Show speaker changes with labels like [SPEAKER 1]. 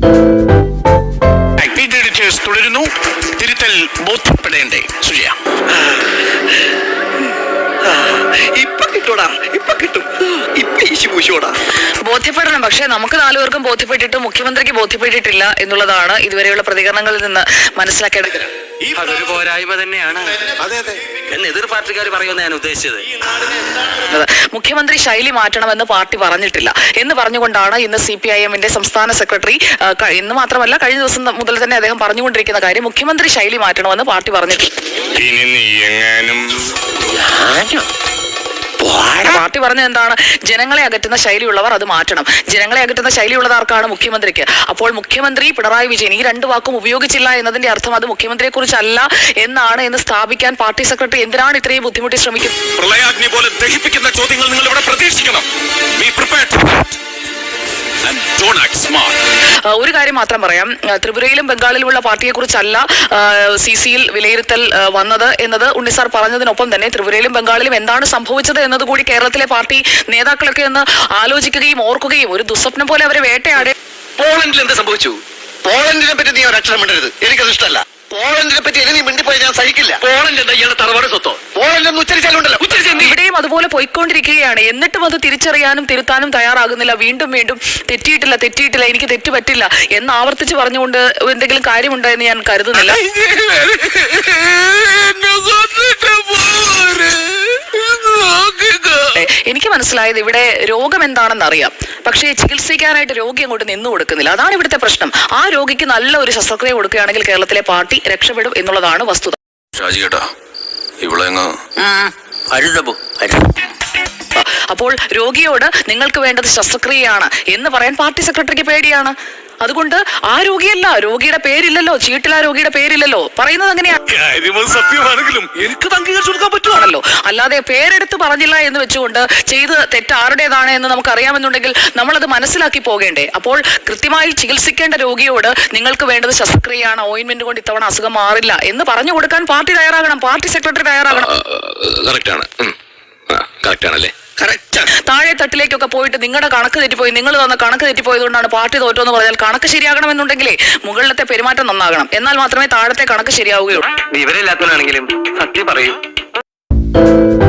[SPEAKER 1] തുടരുന്നു. തിരുത്തൽ ബോധ്യപ്പെടേണ്ടേ സുജയ?
[SPEAKER 2] ബോധ്യപ്പെടണം. പക്ഷേ നമുക്ക് 4 പേർക്കും ബോധ്യപ്പെട്ടിട്ട് മുഖ്യമന്ത്രിക്ക് ബോധ്യപ്പെട്ടിട്ടില്ല എന്നുള്ളതാണ് ഇതുവരെയുള്ള പ്രതികരണങ്ങളിൽ നിന്ന് മനസ്സിലാക്കേണ്ടത്.
[SPEAKER 3] അതൊരു പോരായ്മ തന്നെയാണ് എന്ന് എതിർ പാർട്ടിക്കാർ പറയുമെന്ന് ഞാൻ ഉദ്ദേശിച്ചത്.
[SPEAKER 2] മുഖ്യമന്ത്രി ശൈലി മാറ്റണമെന്ന് പാർട്ടി പറഞ്ഞിട്ടില്ല എന്ന് പറഞ്ഞുകൊണ്ടാണ് ഇന്ന് CPIM-ന്റെ സംസ്ഥാന സെക്രട്ടറി, ഇന്ന് മാത്രമല്ല കഴിഞ്ഞ ദിവസം മുതൽ തന്നെ അദ്ദേഹം പറഞ്ഞുകൊണ്ടിരിക്കുന്ന കാര്യം, മുഖ്യമന്ത്രി ശൈലി മാറ്റണമെന്ന് പാർട്ടി പറഞ്ഞിട്ടില്ല. പാർട്ടി പറഞ്ഞത് എന്താണ്? ജനങ്ങളെ അകറ്റുന്ന ശൈലിയുള്ളവർ അത് മാറ്റണം. ജനങ്ങളെ അകറ്റുന്ന ശൈലിയുള്ളത് ആർക്കാണ്? മുഖ്യമന്ത്രിക്ക്. അപ്പോൾ മുഖ്യമന്ത്രി പിണറായി വിജയൻ ഈ 2 വാക്കും ഉപയോഗിച്ചില്ല എന്നതിന്റെ അർത്ഥം അത് മുഖ്യമന്ത്രിയെ കുറിച്ചല്ല എന്നാണ് എന്ന് സ്ഥാപിക്കാൻ പാർട്ടി സെക്രട്ടറി എന്തിനാണ് ഇത്രയും ബുദ്ധിമുട്ടി ശ്രമിക്കുന്നത്?
[SPEAKER 1] പ്രളയാഗ്നി പോലെ ദഹിപ്പിക്കുന്ന ചോദ്യങ്ങൾ നിങ്ങൾ ഇവിടെ പ്രതീക്ഷിക്കണം.
[SPEAKER 2] ഒരു കാര്യം മാത്രം പറയാം. ത്രിപുരയിലും ബംഗാളിലുമുള്ള പാർട്ടിയെ കുറിച്ചല്ല CCയിൽ വിലയിരുത്തൽ വന്നത് എന്നത് ഉണ്ണിസാർ പറഞ്ഞതിനൊപ്പം തന്നെ ത്രിപുരയിലും ബംഗാളിലും എന്താണ് സംഭവിച്ചത് എന്നതുകൂടി കേരളത്തിലെ പാർട്ടി നേതാക്കളൊക്കെ ഒന്ന് ആലോചിക്കുകയും ഓർക്കുകയും ഒരു ദുസ്വപ്നം പോലെ അവരെ വേട്ടയാടെ.
[SPEAKER 4] പോളണ്ടിൽ എന്ത് സംഭവിച്ചു? പോളണ്ടിനെ പറ്റി നീ ഒരക്ഷരം മിണ്ടരുത്, എനിക്കത് ഇഷ്ടമല്ല. പോളണ്ടിനെ പറ്റി ഇനി മിണ്ടിപ്പോയി ഞാൻ സഹിക്കില്ല. പോളണ്ട് എന്താ ഇയാളുടെ തറവാട് സ്വത്തോ? പോളണ്ട് എന്ന് ഉച്ചരിച്ചാലുണ്ടല്ലോ.
[SPEAKER 2] ഇവിടെയും അതുപോലെ പോയിക്കൊണ്ടിരിക്കുകയാണ്. എന്നിട്ടും അത് തിരിച്ചറിയാനും തിരുത്താനും തയ്യാറാകുന്നില്ല. വീണ്ടും വീണ്ടും തെറ്റിയിട്ടില്ല, എനിക്ക് തെറ്റ് പറ്റില്ല എന്ന് ആവർത്തിച്ച് പറഞ്ഞുകൊണ്ട് എന്തെങ്കിലും കാര്യമുണ്ടോ എന്ന് ഞാൻ കരുതുന്നില്ല. എനിക്ക് മനസ്സിലായത് ഇവിടെ രോഗം എന്താണെന്ന് അറിയാം, പക്ഷേ ചികിത്സിക്കാനായിട്ട് രോഗി അങ്ങോട്ട് നിന്നു കൊടുക്കുന്നില്ല. അതാണ് ഇവിടുത്തെ പ്രശ്നം. ആ രോഗിക്ക് നല്ല ഒരു ശസ്ത്രക്രിയ കൊടുക്കുകയാണെങ്കിൽ കേരളത്തിലെ പാർട്ടി രക്ഷപ്പെടും എന്നുള്ളതാണ് വസ്തുത. അപ്പോൾ രോഗിയോട് നിങ്ങൾക്ക് വേണ്ടത് ശസ്ത്രക്രിയയാണ് എന്ന് പറയാൻ പാർട്ടി സെക്രട്ടറിക്ക് പേടിയാണ്. അതുകൊണ്ട് ആ രോഗിയല്ല, രോഗിയുടെ പേരില്ലല്ലോ, ചീട്ടിൽ ആ രോഗിയുടെ പേരില്ലല്ലോ, പറയുന്നത് അങ്ങനെയാണ്. ആണല്ലോ, അല്ലാതെ പേരെടുത്ത് പറഞ്ഞില്ല എന്ന് വെച്ചുകൊണ്ട് ചെയ്ത് തെറ്റ് ആരുടേതാണ് എന്ന് നമുക്ക് അറിയാമെന്നുണ്ടെങ്കിൽ നമ്മളത് മനസ്സിലാക്കി പോകേണ്ടേ? അപ്പോൾ കൃത്യമായി ചികിത്സിക്കേണ്ട രോഗിയോട് നിങ്ങൾക്ക് വേണ്ടത് ശസ്ത്രക്രിയയാണ്, ഓയിൻമെന്റ് കൊണ്ട് ഇത്തവണ അസുഖം മാറില്ല എന്ന് പറഞ്ഞു കൊടുക്കാൻ പാർട്ടി തയ്യാറാകണം, പാർട്ടി സെക്രട്ടറി തയ്യാറാകണം. താഴെ തട്ടിലേക്കൊക്കെ പോയിട്ട് നിങ്ങളുടെ കണക്ക് തെറ്റിപ്പോയി, നിങ്ങൾ തന്ന കണക്ക് തെറ്റിപ്പോയതുകൊണ്ടാണ് പാർട്ടി തോറ്റോന്ന് പറഞ്ഞാൽ കണക്ക് ശരിയാകണമെന്നുണ്ടെങ്കിലേ മുകളിലത്തെ പെരുമാറ്റം നന്നാകണം. എന്നാൽ മാത്രമേ താഴത്തെ കണക്ക് ശരിയാവുകയുള്ളൂ.
[SPEAKER 3] വിവരമില്ലാത്തവനാണെങ്കിലും സത്യം പറയൂ.